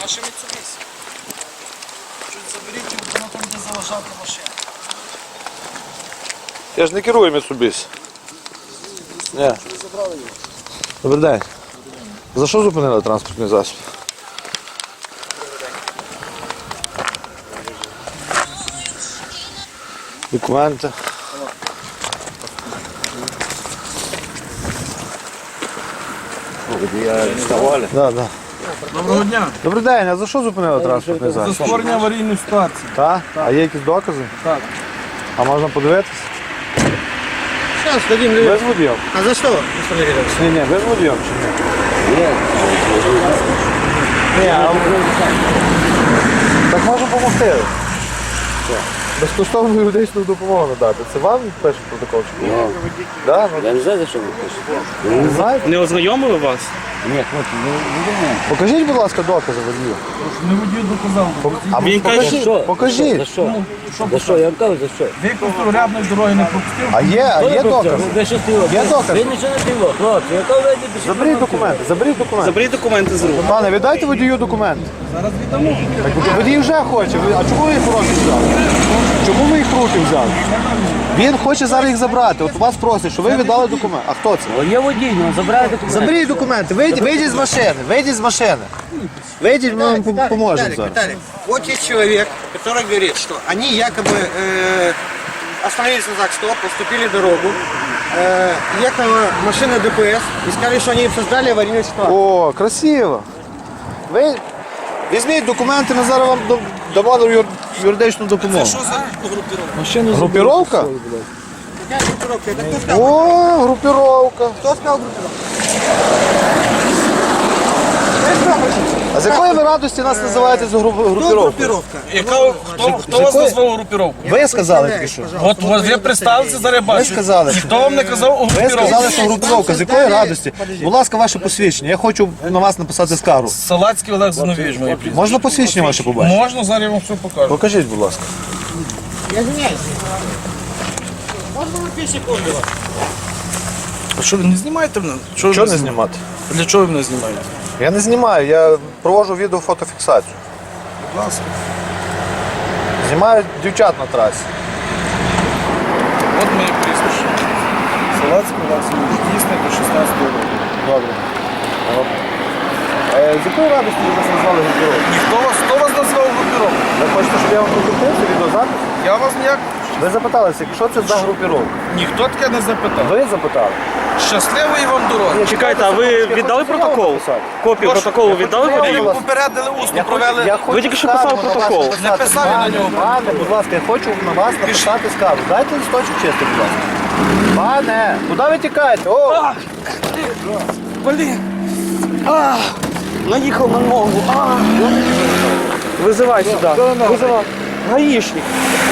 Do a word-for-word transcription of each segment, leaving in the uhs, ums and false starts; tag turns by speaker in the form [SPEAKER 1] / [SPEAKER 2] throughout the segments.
[SPEAKER 1] Наше Mitsubishi. Чуть заберіть, воно там буде заважати машину.
[SPEAKER 2] Я ж не керую Mitsubishi. Ні. Добрий день. За що зупинили транспортний засіб? Документи. Да, да.
[SPEAKER 1] Доброго дня.
[SPEAKER 2] Добрий день, а за що зупинили транспортний
[SPEAKER 1] За
[SPEAKER 2] засіб?
[SPEAKER 1] створення аварійної ситуації.
[SPEAKER 2] Так? А є якісь докази?
[SPEAKER 1] Так.
[SPEAKER 2] А можна подивитися?
[SPEAKER 3] Сейчас дадим.
[SPEAKER 2] Без водіїв?
[SPEAKER 3] А за что, Михаил Валерьевич?
[SPEAKER 2] Ні, ні, без водіїв чи ні? Ні. Ні, а... Так можна допомогти. Безкоштовну юридичну допомогу надати. Це вам пише протокол? Чи ні? Да, ну,
[SPEAKER 4] Я не знаю, за що ви пишете.
[SPEAKER 2] не знаєте?
[SPEAKER 1] Не ознайомили вас?
[SPEAKER 4] Ні, хлопці, не, не думаю.
[SPEAKER 2] Покажіть, будь ласка, докази водію.
[SPEAKER 1] Не водію доказав.
[SPEAKER 2] А
[SPEAKER 1] Він
[SPEAKER 2] покажіть,
[SPEAKER 1] каже,
[SPEAKER 4] Що?
[SPEAKER 2] покажіть.
[SPEAKER 4] За що? За що? Я вам кажу, за що?
[SPEAKER 1] Ви просто рядної дороги не пропустив.
[SPEAKER 2] А є, а є докази?
[SPEAKER 4] Ви що стило?
[SPEAKER 2] Є докази?
[SPEAKER 4] Ви нічого не стило, хлопці. Я кажу, ви пишіть.
[SPEAKER 2] Заберіть документи, заберіть документи.
[SPEAKER 1] Заберіть документи з рук.
[SPEAKER 2] Пане, віддайте водію документи.
[SPEAKER 1] Зараз віддамо.
[SPEAKER 2] Так водій вже хоче. Ви- А чому ви їх в руки взяли? Чому ви їх в руки взяли? Він хоче зараз їх забрати. От вас просить, що ви віддали документи. А хто це?
[SPEAKER 4] О, є водій, ну забирайте документи.
[SPEAKER 2] Заберіть документи, вийдіть, вийдіть з машини, вийдіть з машини. Вийдіть, ми вам пом- поможемо
[SPEAKER 3] Виталик,
[SPEAKER 2] зараз.
[SPEAKER 3] Виталик, вот есть человек, который говорит, что они якобы э, остановились на знак стоп, поступили дорогу, э, ехала машина ДПС и сказали, что они создали аварийную ситуацию.
[SPEAKER 2] О, красиво. Ви візьміть документи, ми зараз вам до- дамо юр- юридичну допомогу.
[SPEAKER 1] Що за групіровка?
[SPEAKER 2] Групіровка?
[SPEAKER 3] Какая группировка? Это кто сказал?
[SPEAKER 2] О, групіровка.
[SPEAKER 3] Кто сказал группировка? Вы что хотите?
[SPEAKER 2] А з якої ви радості нас називаєте за гру-
[SPEAKER 3] Кто
[SPEAKER 2] групіровкою?
[SPEAKER 3] группировка?
[SPEAKER 1] Яка, хто хто вас назвав групіровку?
[SPEAKER 2] Ви сказали тільки що.
[SPEAKER 1] От от ви представилися, зараз
[SPEAKER 2] Ви
[SPEAKER 1] бачу.
[SPEAKER 2] сказали.
[SPEAKER 1] Хто вам не казав
[SPEAKER 2] Ви
[SPEAKER 1] групіровку?
[SPEAKER 2] сказали, що групіровка. З якої радості? Будь ласка, ваше посвідчення. Я хочу на вас написати скаргу.
[SPEAKER 1] Салацький Олег Зиновійович, моє прізвище.
[SPEAKER 2] Можна посвідчення ваше побачити?
[SPEAKER 1] Можна, зараз я вам все покажу.
[SPEAKER 2] Покажіть, будь ласка.
[SPEAKER 3] Я извиняюсь. Можно на пять секунд?
[SPEAKER 1] А що ви не знімаєте мене? Що ви
[SPEAKER 2] Чого не
[SPEAKER 1] мене
[SPEAKER 2] знімати?
[SPEAKER 1] знімаєте? Для чого ви мене знімаєте?
[SPEAKER 2] Я не знімаю, я проводжу відео-фотофіксацію.
[SPEAKER 1] Будь ласка.
[SPEAKER 2] Знімаю дівчат на трасі.
[SPEAKER 1] От моє прізвище. Салацький Олег Зиновійович. Дійсний до шістнадцятого року.
[SPEAKER 2] Добре. Е, з якої радості ви нас назвали групіровку?
[SPEAKER 1] Ніхто вас, хто вас назвав групіровку?
[SPEAKER 2] Ви хочете, щоб я вам прокрутив це відеозапис?
[SPEAKER 1] Я вас ніяк...
[SPEAKER 2] Ви запиталися, що це за групіровка?
[SPEAKER 1] Ніхто таке не запитав.
[SPEAKER 2] Ви запитали?
[SPEAKER 1] Щасливої вам дороги.
[SPEAKER 5] Чекайте, а ви віддали протокол? Копію протоколу віддали
[SPEAKER 2] Я
[SPEAKER 5] водію?
[SPEAKER 2] хочу-
[SPEAKER 1] Попередили усно,
[SPEAKER 2] Я хочу-
[SPEAKER 1] провели.
[SPEAKER 2] я хочу
[SPEAKER 5] Ви тільки що
[SPEAKER 2] скаргу
[SPEAKER 5] писали
[SPEAKER 2] на вас
[SPEAKER 5] протокол.
[SPEAKER 2] написати.
[SPEAKER 1] Не писав я на
[SPEAKER 2] Пане,
[SPEAKER 1] нього.
[SPEAKER 2] Пане, будь ласка, я хочу на вас написати скаргу. Дайте листочок чистий, будь ласка. Пане, куди ви тікаєте? О!
[SPEAKER 5] Блін. А, наїхав на ногу. А. Визивай сюди. Визивай. Гаїшник.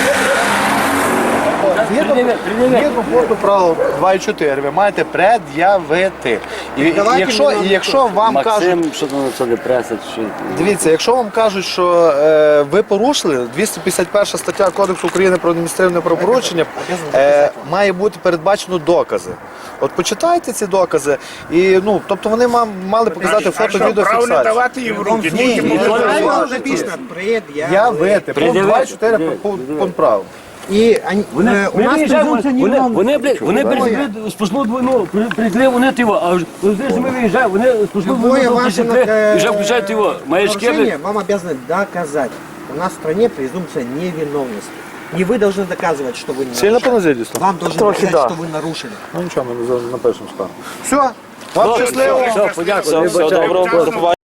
[SPEAKER 2] Згідно, згідно пункту правил два і чотири ви маєте пред'явити. І, і,
[SPEAKER 3] Давайте
[SPEAKER 2] якщо,
[SPEAKER 3] мені
[SPEAKER 2] і якщо вам кажуть,
[SPEAKER 4] Максим, що там це не преса, що...
[SPEAKER 2] дивіться, якщо вам кажуть, що е, ви порушили, двісті п'ятдесят перша стаття Кодексу України про адміністративне правопорушення, е, має бути передбачено докази. От почитайте ці докази, і, ну, тобто вони ма- мали показати фото-відеофіксацію.
[SPEAKER 6] давати їм в руки.
[SPEAKER 2] Ні, ні, ні,
[SPEAKER 3] Правильно
[SPEAKER 2] ні.
[SPEAKER 3] написано. Предъявляют.
[SPEAKER 2] Я вити, пункт два і чотири пункт пункт прав.
[SPEAKER 3] И они, э, у нас презумпция
[SPEAKER 4] Вони,
[SPEAKER 3] невиновности.
[SPEAKER 4] вони, блядь, вони прийшли сплошну двойну, прийшли вони його, а вже коли ми виїжджаємо, вони сплошну
[SPEAKER 3] Любое
[SPEAKER 4] двойну
[SPEAKER 3] ваше
[SPEAKER 4] прийшли,
[SPEAKER 3] э,
[SPEAKER 4] і вже включають його, маячки,
[SPEAKER 3] нарушение
[SPEAKER 4] блядь.
[SPEAKER 3] вам обязаны доказать. У нас в стране презумпция невиновности. Не вы должны доказывать, что вы не
[SPEAKER 2] Сильно
[SPEAKER 3] нарушили.
[SPEAKER 2] понизились?
[SPEAKER 3] Вам должны
[SPEAKER 5] Трохи
[SPEAKER 3] доказать,
[SPEAKER 5] да.
[SPEAKER 3] что вы нарушили.
[SPEAKER 2] Ну нічого, ми напишемо скаргу. Все, вам щасливо.
[SPEAKER 4] Все, подякую.
[SPEAKER 5] Все, все, доброго, до побачення.